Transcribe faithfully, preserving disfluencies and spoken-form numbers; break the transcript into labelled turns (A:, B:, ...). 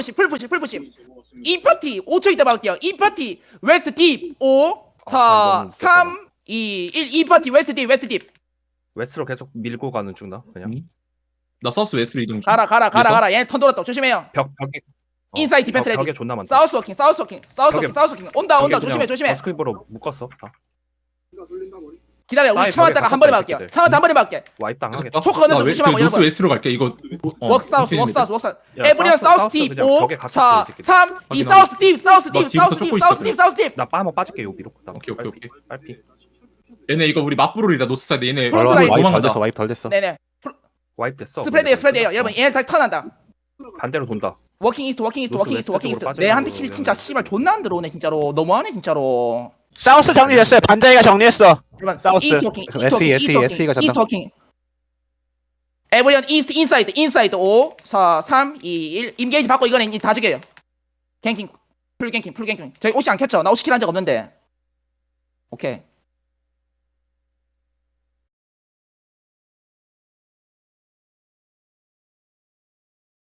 A: 풀푸시 풀푸시 이 파티 오 초 있다 막을게요. 이 파티 웨스트 딥 오
B: 아,
A: 사 삼 이 일 이 파티 웨스트 딥 웨스트 딥
B: 웨스트로 계속 밀고 가는 중나 그냥
C: 음. 나 사우스 웨스트로 이동 중.
A: 가라 가라 가라
C: 그래서?
A: 가라 얘 턴 돌았다 조심해요.
B: 벽 벽에 어,
A: 인사이드 디펜스
B: 벽,
A: 레디.
B: 벽에 존나 많다.
A: 사우스 워킹 사우스 워킹 사우스 워킹
B: 벽에-
A: 사우스 워킹 온다 온다 조심해 조심해.
B: 버스크립으로 묶었어. 다.
A: 기다려 우리
B: 사이
A: 창 왔다가
B: 벽에
A: 한 번에
B: 갇혔다,
A: 막을게요.
B: 새끼들.
A: 창 왔다 한 번에 막을게.
B: 와입 당하겠다.
C: 나-
A: 초크 얻는
C: 나
A: 좀
C: 웨-
A: 조심하고
C: 그 노스
A: 여러분.
C: 웨스트로 갈게. 이거 어,
A: 웍 사우스 웍
C: 오케이,
A: 사우스 웍 사우스
B: 야,
A: 에브리언
B: 사우스,
A: 사우스 딥
B: 그냥
A: 오
B: 벽에 갇혔어,
A: 사
B: 이 새끼들.
A: 삼 이
C: 확인,
A: 사우스 딥 사우스
C: 나
A: 딥
C: 뒤부터
A: 사우스 딥
C: 쫓고
A: 사우스
C: 있어,
A: 딥 사우스 딥
B: 나 빠모 빠질게 요 위로. 나
C: 오케이, 오케이,
B: 빨피,
C: 오케이.
B: 빨피.
C: 얘네 이거 우리 맞부롤이다. 노스 사이드 얘네
A: 프론트
C: 롤
A: 라인.
D: 와입 덜
C: 도망간다.
D: 됐어. 와입 덜 됐어.
A: 네네
B: 와입 됐어.
A: 스프레드예요 스프레드예요
B: 어.
A: 여러분 얘네 다시 턴한다.
B: 반대로 돈다.
A: 워킹 이스트 워킹 이스트
B: 노스
A: 워킹 이스트
B: 웨스트
A: 워킹
B: 쪽으로
A: 이스트 내한테
B: 빠지는
A: 킬 진짜
B: 거는-
A: 씨발 존나 안 들어오네 진짜로 너무하네 진짜로.
E: 사우스 정리됐어요. 반자이가 정리했어.
A: 여러분
E: 사우스.
A: 이스트 워킹 이스트
D: 에스이,
A: 워킹
D: 에스이,
A: 이스트 워킹
D: 에스이가
A: 이스트 워킹 에브리언 이스트 인사이드 인사이드 오 사 삼 이 일 임게이지 받고 이거는 이제 다 죽여요. 갱킹 풀 갱킹 풀 갱킹 저기 옷이 안 켰죠? 나 옷이 킬한 적 없는데 오케이